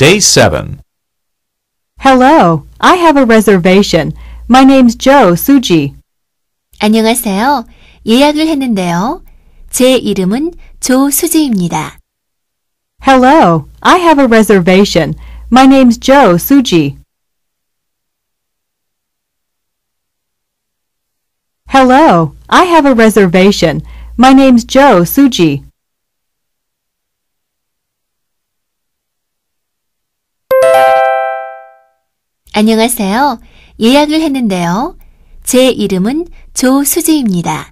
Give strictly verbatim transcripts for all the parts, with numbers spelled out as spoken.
Day seven. Hello, I have a reservation. My name's Joe Suji. 안녕하세요. 예약을 했는데요. 제 이름은 조수지입니다. Hello, I have a reservation. My name's Joe Suji. Hello, I have a reservation. My name's Joe Suji. 안녕하세요. 예약을 했는데요. 제 이름은 조수지입니다.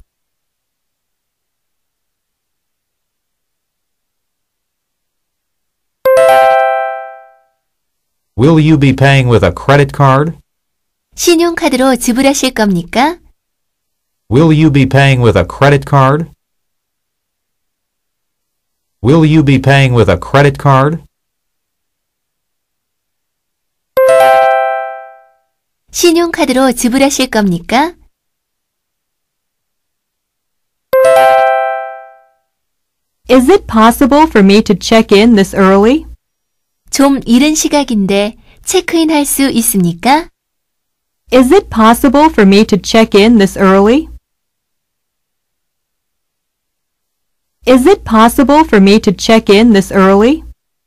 Will you be paying with a credit card? 신용카드로 지불하실 겁니까? Will you be paying with a credit card? Will you be paying with a credit card? 신용카드로 지불하실 겁니까? Is it possible for me to check in this early? 좀 이른 시각인데 체크인 할 수 있습니까? Is it possible for me to check in this early? Is it possible for me to check in this early?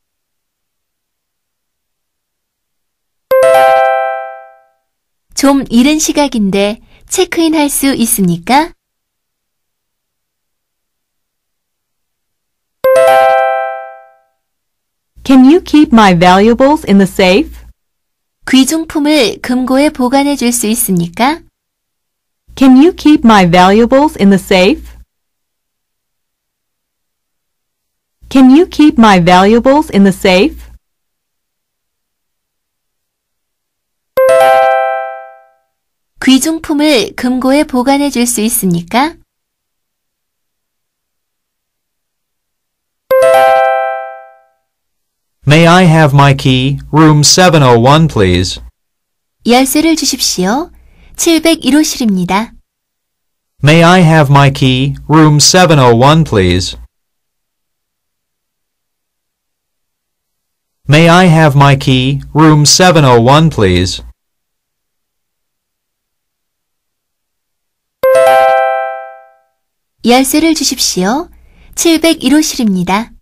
좀 이른 시각인데 체크인 할 수 있습니까? Can you keep my valuables in the safe? 귀중품을 금고에 보관해 줄 수 있습니까? Can you keep my valuables in the safe? Can you keep my valuables in the safe? 귀중품을 금고에 보관해 줄 수 있습니까? May I have my key? Room seven oh one, please. 열쇠를 주십시오. 칠백일 호실입니다. May I have my key? Room seven oh one, please. May I have my key? Room seven oh one, please. 열쇠를 주십시오. 칠백일 호실입니다.